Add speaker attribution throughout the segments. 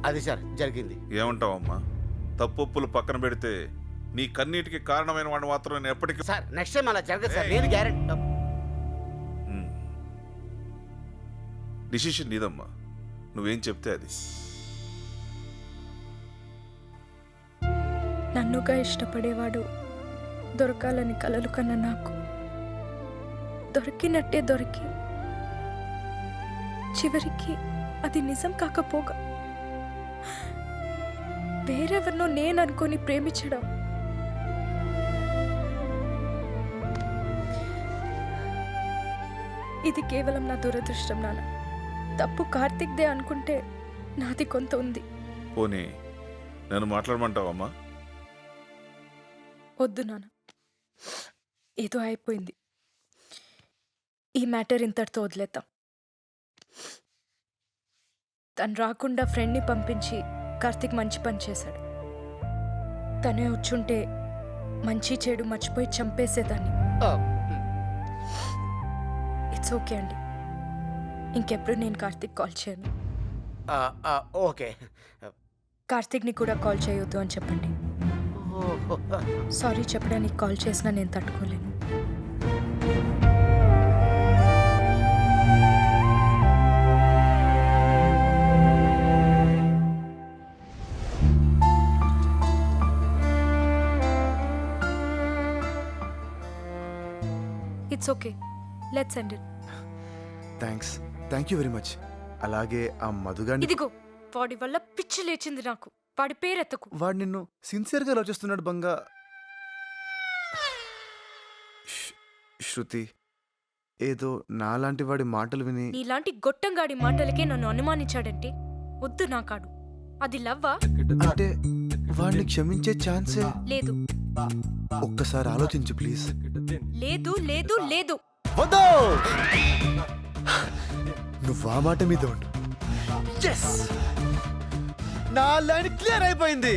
Speaker 1: అది సార్ జరిగింది.
Speaker 2: ఏమంటావమ్మా? తప్పులు పక్కన పెడితే నీ కన్నీటికి కారణమైన వాడిని మాత్రం నేను ఎప్పటికీ.
Speaker 1: సార్ నెక్స్ట్ టైం అలా జరగదు సార్, నేను గ్యారెంటీ.
Speaker 2: డిసిషన్ నీదమ్మా, నువ్వేం చెప్తే అది.
Speaker 3: నన్నుగా ఇష్టపడేవాడు దొరకాలని కలలు కన్నా నాకు దొరికినట్టే దొరికి చివరికి అది నిజం కాకపోగా వేరెవరినో నేను అనుకొని ప్రేమించడం ఇది కేవలం నా దురదృష్టం నాన్న. తప్పు కార్తిక్దే అనుకుంటే నాది కొంత ఉంది.
Speaker 2: పోనీ నన్ను మాట్లాడమంటావమ్మా?
Speaker 3: వద్దు నాన్న, ఏదో అయిపోయింది. ఈ మ్యాటర్ ఇంతటితో వదిలేద్దాం. తను రాకుండా ఫ్రెండ్ని పంపించి కార్తిక్ మంచి పని చేశాడు. తనే వచ్చుంటే మంచి చెడు మర్చిపోయి చంపేసేదాన్ని. ఇట్స్ ఓకే అండి, ఇంకెప్పుడు నేను కార్తిక్ కాల్ చేయను.
Speaker 1: ఓకే.
Speaker 3: కార్తిక్ని కూడా కాల్ చేయొద్దు అని చెప్పండి. సారీ చెప్పడానికి కాల్ చేసినా నేను తట్టుకోలేను. It's okay, let's end it.
Speaker 4: Thank you very much. అలాగే ఆ మధుగాని.
Speaker 3: ఇదిగో వాడి వల్ల పిచ్చి లేచింది నాకు. వాడి పేరెత్తకు.
Speaker 4: వాడు నిన్ను సిన్సియర్గా లవ్ చేస్తున్నాడు బంగా. శృతి, ఏదో నాలాంటి వాడి మాటలు విని.
Speaker 3: నీలాంటి గొట్టంగాడి మాటలకే నన్ను అనుమానించాడంటే వద్దు నాకాడు. అది లవ్వా?
Speaker 4: అంటే వాడిని క్షమించే ఛాన్సే
Speaker 3: లేదు.
Speaker 4: ఒక్కసారి ఆలోచించు ప్లీజ్.
Speaker 3: లేదు లేదు లేదు.
Speaker 4: వద్దు, నువ్వు ఆ మాట మీద ఉండు. ఎస్, నా లైన్ క్లియర్ అయిపోయింది.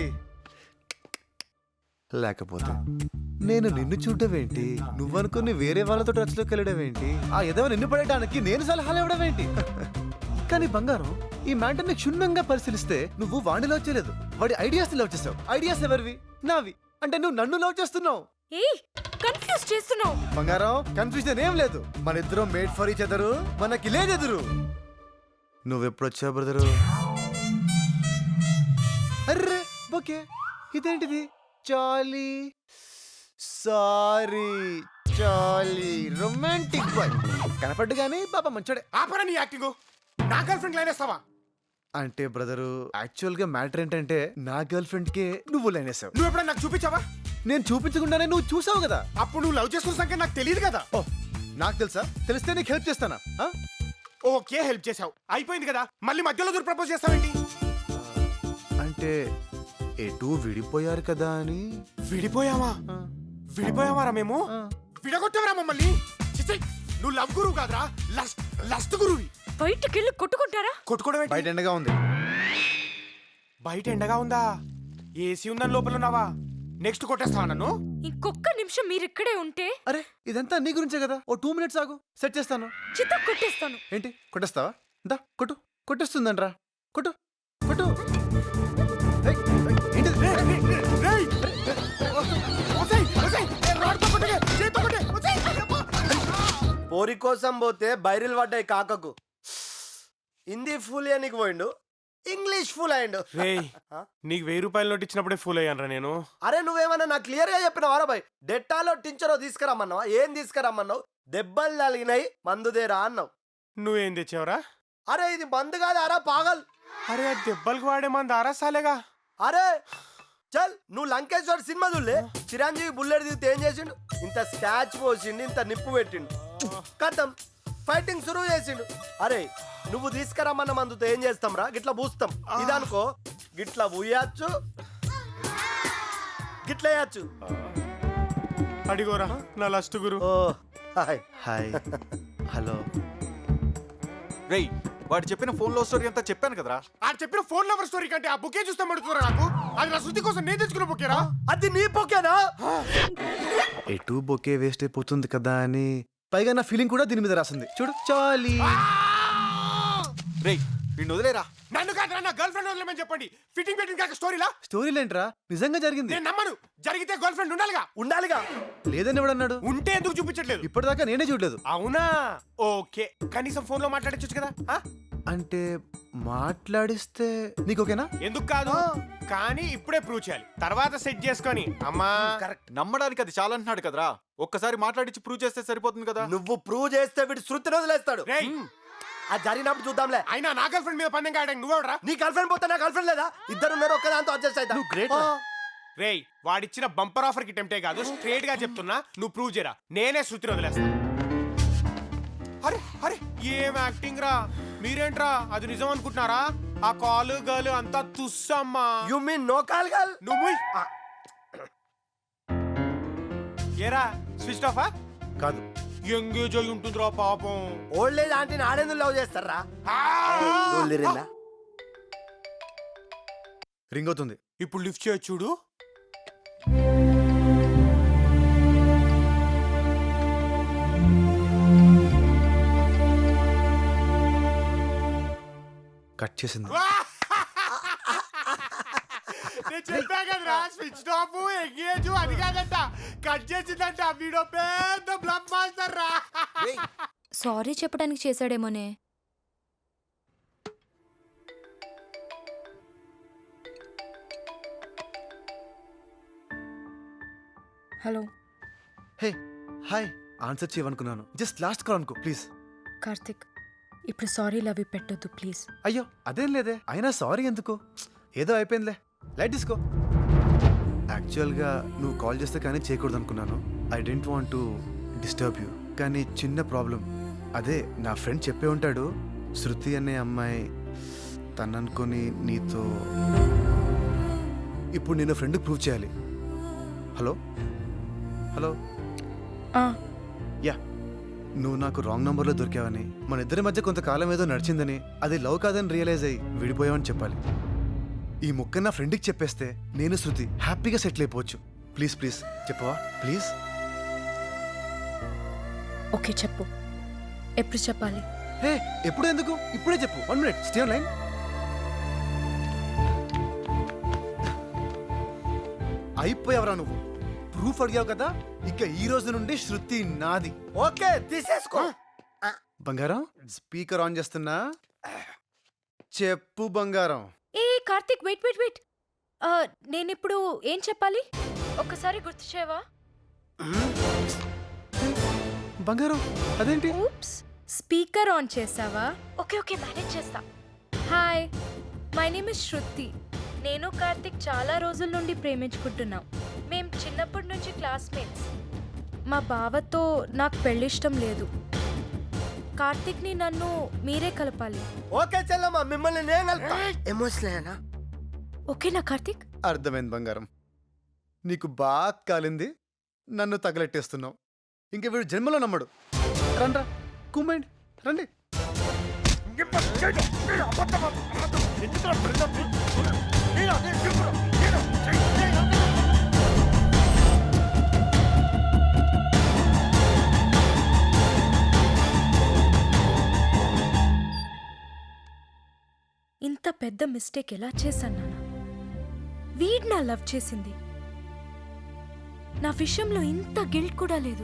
Speaker 4: లేకపోతే నేను నిన్ను చూడడం ఏంటి, నువ్వనుకుని వేరే వాళ్ళతో టచ్లోకి వెళ్ళడం ఏంటి, ఆ ఎదవ నిన్ను పడేయడానికి నేను సలహాలు ఇవ్వడం ఏంటి? కానీ బంగారం, ఈ మ్యాటర్ని క్షుణ్ణంగా పరిశీలిస్తే నువ్వు వాడిని లవ్ చేయలేదు, వాడి ఐడియాస్ లవ్ చేసావు. ఐడియాస్ ఎవరివి? నావి. అంటే నువ్వు నన్ను లవ్ చేస్తున్నావు.
Speaker 3: ఏయ్, కన్ఫ్యూజ్ చేస్తున్నావు.
Speaker 4: బంగారం, కన్ఫ్యూజన్ ఏం లేదు. మన ఇద్దరం మేడ్ ఫర్ ఈచ్ అదరు, మనకి లేదెదురు. నువ్వెప్పుడు వచ్చావు బ్రదరు? అర్రే ఓకే, ఇదేంటిది? చాలీ సారీ చాలీ రొమాంటిక్ బాయ్ కనపడ్డు గానీ పాప మంచోడే.
Speaker 1: ఆపరా నీ యాక్టింగ్. నా గర్ల్ ఫ్రెండ్ లైన్ వేస్తావా?
Speaker 4: అంటే బ్రదరు, యాక్చువల్ గా మ్యాటర్ ఏంటంటే నా గర్ల్ ఫ్రెండ్ కే నువ్వు లైన్ వేసావు.
Speaker 1: నువ్వు ఎప్పుడైనా నాకు చూపించావా?
Speaker 4: నేను చూపించకుండానే నువ్వు చూసావు కదా.
Speaker 1: అప్పుడు నువ్వు లవ్ చేస్తున్న సంగతి నాకు తెలియదు కదా.
Speaker 4: ఓ, నాకు తెలుసా? తెలిస్తే నీకు హెల్ప్ చేస్తానా?
Speaker 1: ఓకే, హెల్ప్ చేసావు, అయిపోయింది కదా. మళ్ళీ మధ్యలో దూరం ప్రపోజ్ చేస్తావేంటి?
Speaker 4: అంటే ఎటు విడిపోయారు కదా అని.
Speaker 1: విడిపోయావా? విడిపోయావారా? మేము విడగొట్టావరా మమ్మల్ని? చిచ్చయ్, నువ్వు లవ్ గురువు కాదురా, లస్ట్ గురువి.
Speaker 3: బయటకెళ్ళి కొట్టుకుంటారా?
Speaker 1: కొట్టుకోవడం ఏంటి?
Speaker 4: బయట ఎండగా ఉంది.
Speaker 1: బయట ఎండగా ఉందా? ఏసీ ఉందని లోపల ఉన్నావా? నెక్స్ట్ కొట్టేస్తావా నన్ను?
Speaker 3: ఇంకొక్క నిమిషం మీరిక్కడే ఉంటే.
Speaker 4: అరే, ఇదంతా నీ గురించే కదా. ఓ 2 minutes ఆగు, సెట్ చేస్తాను.
Speaker 3: చిత్త కొట్టేస్తాను.
Speaker 4: ఏంటి కొట్టేస్తావా? దా కొట్టు. కొట్టేస్తుందంట్రా, కొట్టు కొట్టు. ఏయ్, ఏంటిది?
Speaker 5: పోరి కోసం పోతే బైరిల్ పడ్డాయి కాకకు. హిందీ ఫుల్ నీకు పోయిండు, ఇంగ్లీష్ ఫుల్ అయ్యిండు.
Speaker 1: నీకు 1000 రూపాయల నోట్ ఇచ్చినప్పుడే ఫుల్ అయ్యానరా నేను.
Speaker 5: అరే నువ్వేమన్నా నాకు క్లియర్ గా చెప్పినావారా బాయ్? డెట్టాలో టించరో తీసుకురమ్మన్నావా? ఏం తీసుకురమ్మన్నావు? దెబ్బలు తగిలినాయి మందుదేరా అన్నావు.
Speaker 1: నువ్వేం తెచ్చావురా?
Speaker 5: అరే ఇది మందు కాదు అరా పాగల్.
Speaker 1: అరే ఆ దెబ్బలకు వాడే మంది ఆరసాలేగా.
Speaker 5: అరే చల్, నువ్వు లంకేశ్వర్ సినిమా చూడలే? చిరంజీవి బుల్లెట్ దిగితే ఏం చేసిండు? ఇంత స్కాచ్ పోసిండు, ఇంత నిప్పు పెట్టిండు, కథం ఫైటింగ్ సురువు చేసిండు. అరే నువ్వు తీసుకురమ్మన్న మందుతో ఏం చేస్తాం రా? గిట్లా పూస్తాం. ఇదనుకో గిట్లా పూయచ్చు, గిట్లా వేయచ్చు.
Speaker 1: అడిగోరా నా లస్ట్ గురు.
Speaker 5: Oh hi
Speaker 4: hi. హలో.
Speaker 6: రేయ్, వాడు చెప్పిన ఫోన్ లో స్టోరీ అంతా చెప్పాను కదరా.
Speaker 1: ఆ చెప్పిన ఫోన్ లవర్ స్టోరీ కంటే ఆ బుకే చూస్తే మడుతురా నాకు. అది నా శృతి కోసం నేను తెచ్చుకున్న బుకేరా.
Speaker 5: అది నీ బొకేనా?
Speaker 4: ఎటు బొకే వేస్ట్ అయిపోతుంది కదా అని. పైగా నా ఫీలింగ్ కూడా దీని మీద రాసింది చూడు. చాలీ.
Speaker 6: రేయ్, వీడిని వదిలేరా.
Speaker 1: నన్ను కాదు నా గర్ల్ ఫ్రెండ్ వదిలేమని చెప్పండి. ఫిట్టింగ్ పెట్టింగ్ కాక స్టోరీలా
Speaker 4: స్టోరీలేంట్రా, నిజంగా జరిగింది.
Speaker 1: నేను నమ్మను. జరిగితే గర్ల్ ఫ్రెండ్ ఉండాలిగా.
Speaker 5: ఉండాలిగా.
Speaker 4: లేదని ఎవడన్నాడు?
Speaker 1: ఉంటే ఎందుకు చూపించట్లేదు?
Speaker 4: ఇప్పటిదాకా నేనే చూడలేదు.
Speaker 1: అవునా, ఓకే. కనీసం ఫోన్ లో మాట్లాడచ్చు కదా. ఆ?
Speaker 4: అంటే మాట్లాడిస్తే నీకు ఓకేనా?
Speaker 1: ఎందుకు కాదు, కానీ ఇప్పుడే ప్రూవ్ చేయాలి. తర్వాత సెట్ చేసుకొని అమ్మా.
Speaker 5: కరెక్ట్.
Speaker 6: నమ్మడానికి అది చాలా అంటున్నాడు కదరా. ఒక్కసారి మాట్లాడించి ప్రూవ్ చేస్తే సరిపోతుంది కదా.
Speaker 5: నువ్వు ప్రూవ్ చేస్తే వీడు శృతిని వదిలేస్తాడు.
Speaker 1: రేయ్,
Speaker 5: అది జరిగినప్పుడు చూద్దాంలే.
Speaker 1: అయినా నా గర్ల్ ఫ్రెండ్ మీద పందెం కాయడానికి నువ్వెవడరా?
Speaker 5: నీ గర్ల్ ఫ్రెండ్ పోతే నా గర్ల్ ఫ్రెండ్ లేదా? ఇద్దరు ఉన్నారు, ఒక్కదాంతో అడ్జస్ట్ అవుతా.
Speaker 4: నువ్వు great రా.
Speaker 1: రేయ్, వాడిచ్చిన బంపర్ ఆఫర్ కి టెంప్టే కాదు, స్ట్రేట్ గా చెప్తున్నా. నువ్వు ప్రూవ్ చేయరా, నేనే శృతిని వదిలేస్తా. అరే అరే, ఏం యాక్టింగ్ రా. మీరేంట్రా అది నిజం అనుకుంటున్నారా? ఆ కాలు గర్ల్ అంతా తుస్సమ్మా.
Speaker 5: You mean no call girl?
Speaker 1: నువ్వు ఏరా స్విచ్ ఆఫా?
Speaker 4: కాదు.
Speaker 1: ఎంగేజ్ అయి ఉంటుందిరా పాపం.
Speaker 5: ఓల్డ్ ఏజ్ ఆంటీని ఆడేందుకు లవ్ చేస్తారా?
Speaker 4: రింగ్ అవుతుంది.
Speaker 1: ఇప్పుడు లిఫ్ట్ చేయొచ్చు చూడు.
Speaker 4: కట్ చేసింది.
Speaker 1: నేను చెప్పా కదరా, స్విచ్ ఆఫ్ ఎంగేజ్ అది కాదంట, కట్ చేసిందంట. వీడో పెద్ద బ్లఫ్ మాస్టర్ రా.
Speaker 7: సారీ చెప్పడానికి చేశాడేమోనే.
Speaker 3: హలో
Speaker 4: హే హాయ్, ఆన్సర్ చేయవనుకున్నాను. జస్ట్ లాస్ట్ కాల్ అనుకో ప్లీజ్.
Speaker 3: కార్తిక్, ఇప్పుడు సారీ లవ్ పెట్టొద్దు ప్లీజ్.
Speaker 4: అయ్యో అదేం లేదే, అయినా సారీ ఎందుకు, ఏదో అయిపోయిందిలే, లైట్ తీసుకో. యాక్చువల్గా నువ్వు కాల్ చేస్తే కానీ చేయకూడదు అనుకున్నాను. I don't want to disturb you. కానీ చిన్న ప్రాబ్లం. అదే నా ఫ్రెండ్ చెప్పే ఉంటాడు, శృతి అనే అమ్మాయి తను అనుకొని నీతో. ఇప్పుడు నేను ఫ్రెండ్కి ప్రూవ్ చేయాలి. హలో హలో యా, నువ్వు నాకు రాంగ్ నంబర్లో దొరికావని, మన ఇద్దరి మధ్య కొంతకాలం ఏదో నడిచిందని, అది లవ్ కాదని రియలైజ్ అయ్యి విడిపోయావని చెప్పాలి. ఈ ముక్క నా ఫ్రెండ్కి చెప్పేస్తే నేను శృతి హ్యాపీగా సెటిల్ అయిపోవచ్చు. ప్లీజ్ ప్లీజ్ చెప్పవా ప్లీజ్?
Speaker 3: ఓకే చెప్పు, ఎప్పుడు చెప్పాలి?
Speaker 4: హే ఎప్పుడు ఎందుకు, ఇప్పుడే చెప్పు. 1 minute, స్టే ఆన్ లైన్. అయిపోయావరా నువ్వు, ప్రూఫ్ అడిగావు కదా. ఇక ఈ రోజు నుండి శృతి నాది.
Speaker 5: ఓకే తీసేసుకో.
Speaker 4: బంగారం, స్పీకర్ ఆన్ చేస్తున్నా, చెప్పు బంగారం.
Speaker 3: ఏ కార్తిక్, వెయిట్ వెయిట్ వెయిట్. నేను ఇప్పుడు ఏం చెప్పాలి ఒక్కసారి గుర్తు చేయవా?
Speaker 4: బంగారం అదేంటి?
Speaker 3: ఊప్స్, స్పీకర్ ఆన్ చేసావా? ఓకే ఓకే, మేనేజ్ చేస్తా. Hi, my name is Shruti. నేను కార్తిక్ చాలా రోజుల నుండి ప్రేమించుకుంటున్నాం. మేం చిన్నప్పటి నుంచి క్లాస్మేట్స్. మా బావతో నాకు పెళ్ళిష్టం లేదు. కార్తిక్ని నన్ను మీరే కలపాలి.
Speaker 5: ఓకే చెల్లమ్మ, మిమ్మల్ని నేను కలుపుతా. ఎమోషనల్.
Speaker 3: ఓకేనా కార్తిక్?
Speaker 4: అర్థమైంది బంగారం, నీకు బాగా కాలింది, నన్ను తగలెట్టేస్తున్నావు. ఇంక వీడు జన్మలో నమ్మడు. రండ్రా కుమ్మండి, రండి.
Speaker 3: ఇంత పెద్ద మిస్టేక్ ఎలా చేశాను నాన్న? వీడ్ నా లవ్ చేసింది, నా విషయంలో ఇంత గిల్ట్ కూడా లేదు.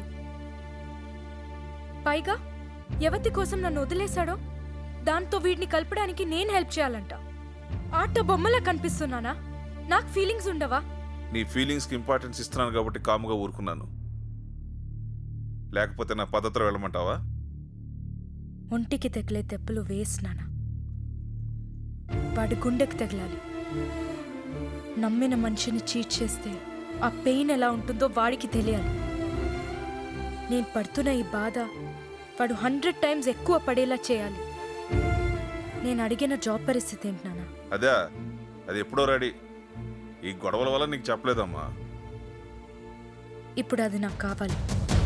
Speaker 3: పైగా ఎవతి కోసం నన్ను వదిలేశాడో దాంతో వీడిని కలపడానికి నేను హెల్ప్ చేయాలంట. ఆట బొమ్మలా కనిపిస్తున్నానా? నాకు ఫీలింగ్స్ ఉండవా?
Speaker 2: నీ ఫీలింగ్స్కి ఇంపార్టెన్స్ ఇస్తున్నాను కాబట్టి కాముగా ఊరుకున్నాను. లేకపోతే నా పద్ధతిలో వెళ్ళమంటావా?
Speaker 3: ఒంటికి తగిలే దెబ్బలు వేసినానా, వాడి గుండెకి తగలాలి. నమ్మిన మనిషిని చీట్ చేస్తే ఆ పెయిన్ ఎలా ఉంటుందో వాడికి తెలియాలి. నేను పడుతున్న ఈ బాధ వాడు 100 times ఎక్కువ పడేలా చేయాలి. నేను అడిగిన జాబ్ పరిస్థితి ఏంటి నాన్న?
Speaker 2: అదే, అది ఎప్పుడో రెడీ. ఈ గొడవల వల్ల నీకు చెప్పలేదమ్మా.
Speaker 3: ఇప్పుడు అది నాకు కావాలి.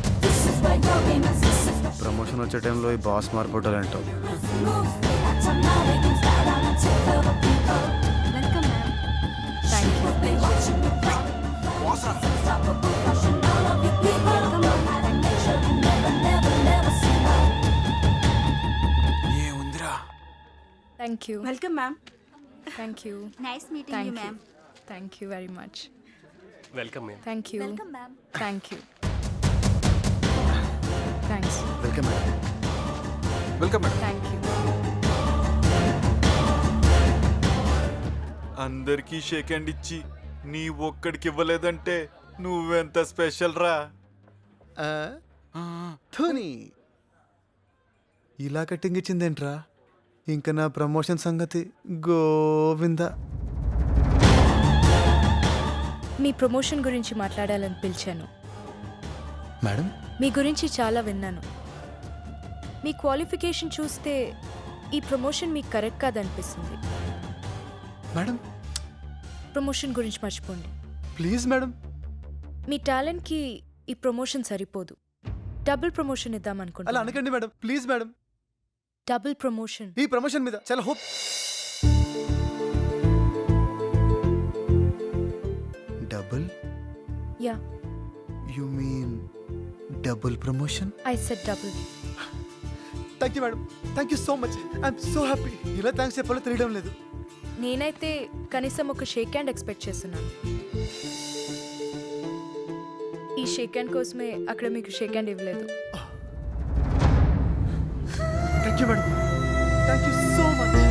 Speaker 4: ప్రమోషన్ వచ్చే టైంలో ఈ బాస్ మార్పుటాలంటావు.
Speaker 3: Welcome ma'am. Thank thank you
Speaker 8: welcome ma'am.
Speaker 3: Thank you
Speaker 7: nice meeting
Speaker 3: thank
Speaker 7: you
Speaker 3: you
Speaker 7: ma'am.
Speaker 3: Thank you very much
Speaker 1: welcome ma'am.
Speaker 3: Thank you
Speaker 7: welcome ma'am.
Speaker 3: Thank you thanks
Speaker 4: welcome madam.
Speaker 6: Welcome madam.
Speaker 3: Thank you
Speaker 6: అందరికీ shake hand ఇచ్చి నీ ఒక్కడికి ఇవ్వలేదంటే నువ్వెంత special రా.
Speaker 4: ధోని ఇలా cutting ఇచ్చిందేంట్రా? ఇంకా నా promotion సంగతి గోవింద.
Speaker 3: మీ ప్రమోషన్ గురించి మాట్లాడాలని పిలిచాను.
Speaker 4: మేడం
Speaker 3: మీ గురించి చాలా విన్నాను. మీ క్వాలిఫికేషన్ చూస్తే ఈ ప్రమోషన్ మీకు కరెక్ట్ కాదనిపిస్తుంది.
Speaker 4: మేడం
Speaker 3: ప్రమోషన్ గురించి మర్చిపోండి.
Speaker 4: Please madam.
Speaker 3: మీ టాలెంట్కి ఈ ప్రమోషన్ సరిపోదు. డబుల్ ప్రమోషన్
Speaker 4: అలా
Speaker 3: ఇద్దామనుకుంటున్నాను.
Speaker 4: అనకండి madam, please madam.
Speaker 3: Double promotion.
Speaker 4: ఈ ప్రమోషన్ మీద చాలా hope. Double?
Speaker 3: Yeah,
Speaker 4: you mean double promotion?
Speaker 3: I said double.
Speaker 4: Thank you madam, thank you so much. I'm so happy. ఇలా thanks చెప్పాలో తెలియడం లేదు.
Speaker 3: నేనైతే కనీసం ఒక షేక్ హ్యాండ్ ఎక్స్పెక్ట్ చేస్తున్నాను. ఈ షేక్ హ్యాండ్ కోసమే అక్కడ మీకు షేక్ హ్యాండ్ ఇవ్వలేదు.
Speaker 4: Thank you madam, thank you so much.